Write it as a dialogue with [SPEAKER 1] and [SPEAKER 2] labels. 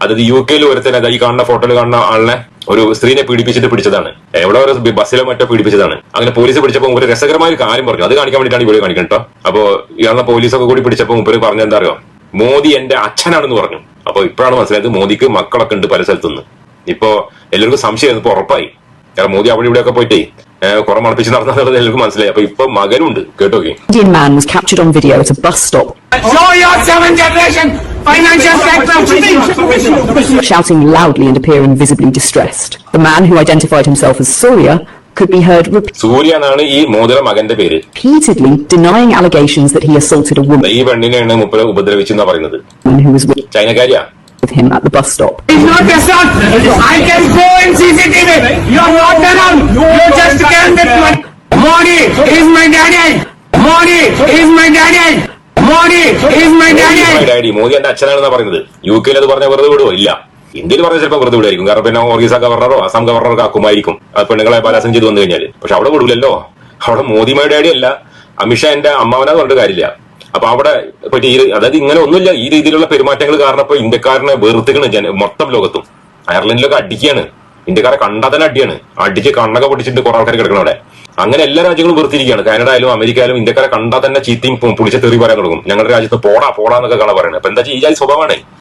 [SPEAKER 1] അതായത് UK ഒരുത്തനെ ഈ കാണുന്ന ഫോട്ടോയിൽ കാണുന്ന ആളിനെ ഒരു സ്ത്രീനെ പീഡിപ്പിച്ചിട്ട് പിടിച്ചതാണ്. എവിടെ ഒരു ബസ്സിലോ മറ്റോ പീഡിപ്പിച്ചതാണ്. അങ്ങനെ പോലീസ് പിടിച്ചപ്പോൾ ഒരു രസകരമായ ഒരു കാര്യം പറഞ്ഞു. അത് കാണിക്കാൻ വേണ്ടിയിട്ടാണ് ഇവിടെ കാണിക്കണം കേട്ടോ. അപ്പൊ ഇയാളെ പോലീസൊക്കെ കൂടി പിടിച്ചപ്പോൾ മുമ്പ് പറഞ്ഞ എന്താ അറിയോ, മോദി എന്റെ അച്ഛനാണെന്ന് പറഞ്ഞു. അപ്പൊ ഇപ്പോഴാണ് മനസ്സിലായത് മോദിക്ക് മക്കളൊക്കെ ഉണ്ട് പല സ്ഥലത്തുനിന്ന്. ഇപ്പൊ എല്ലാവർക്കും സംശയം ഇപ്പൊ ഉറപ്പായി. കാരണം മോദി അവിടെ ഇവിടെയൊക്കെ പോയിട്ടേ കുറെ മണപ്പിച്ച് നടന്നത് എല്ലാവർക്കും മനസ്സിലായി. അപ്പൊ ഇപ്പൊ മകനുണ്ട് കേട്ടോക്കെ.
[SPEAKER 2] Indian man was captured on video at a bus stop.
[SPEAKER 3] Show your 7th generation financial sector.
[SPEAKER 2] Shouting loudly and appearing visibly distressed. The man, who identified himself as Surya, could be heard
[SPEAKER 1] സൂര്യ എന്നാണ് ഈ മോദിയുടെ മകന്റെ പേര്.
[SPEAKER 2] repeatedly denying allegations that he assaulted a woman
[SPEAKER 1] ഈ പെണ്ണിനെയാണ് മുപ്പത് ഉപദ്രവിച്ചെന്നാ പറയുന്നത്.
[SPEAKER 2] who was with
[SPEAKER 1] ചൈനക്കാരിയാ
[SPEAKER 2] him at the bus stop.
[SPEAKER 3] It's not assault. I can go in CCTV. You're not around. You just can't get money. Modi is my daddy. Modi is my daddy. Modi is my daddy.
[SPEAKER 1] Modi എന്റെ അച്ഛനാണെന്നാ പറയുന്നത്. UK അത് പറഞ്ഞ വെറുതെ വിടുവോ? ഇല്ല. ഇന്ത്യയിൽ പറഞ്ഞ ചിലപ്പോൾ വെറുതെ വിടായിരിക്കും. കാരണം പിന്നെ ഒറീസ ഗവർണറോ അസം ഗവർണറോ ആക്കുമായിരിക്കും പെണ്ണുങ്ങളെ ബലാത്സംഗം ചെയ്ത് വന്നു കഴിഞ്ഞാൽ. പക്ഷെ അവിടെ വിടൂലല്ലോ. അവിടെ മോദിയുടെ ഡാഡി അല്ല, അമിത്ഷാ എന്റെ അമ്മാവനാ പറഞ്ഞിട്ട് കാര്യമില്ല. അപ്പൊ അവിടെ പറ്റി അതായത് ഇങ്ങനെ ഒന്നുമില്ല. ഈ രീതിയിലുള്ള പെരുമാറ്റങ്ങൾ കാരണം ഇപ്പൊ ഇന്ത്യക്കാരനെ വെറുത്തിക്കണ് മൊത്തം ലോകത്തും. അയർലൻഡിലൊക്കെ അടിക്കുകയാണ്. ഇന്ത്യക്കാരെ കണ്ടാൽ തന്നെ അടിയാണ്. അടിച്ച് കണ്ണൊക്കെ പൊട്ടിച്ചിട്ട് കുറെ ആൾക്കാർ കിടക്കണം അവിടെ. അങ്ങനെ എല്ലാ രാജ്യങ്ങളും വെറുത്തിരിക്കുകയാണ്. കാനഡ ആയാലും അമേരിക്ക ആയാലും ഇന്ത്യക്കാരെ കണ്ടാൽ തന്നെ ചീത്തയും പുളിച്ച തെറി പറയാൻ തുടങ്ങും. ഞങ്ങളുടെ രാജ്യത്ത് പോടാ എന്നൊക്കെ കാണാൻ പറയുന്നത്. അപ്പൊ എന്താ ഈ ജാതി സ്വഭാവമാണ്.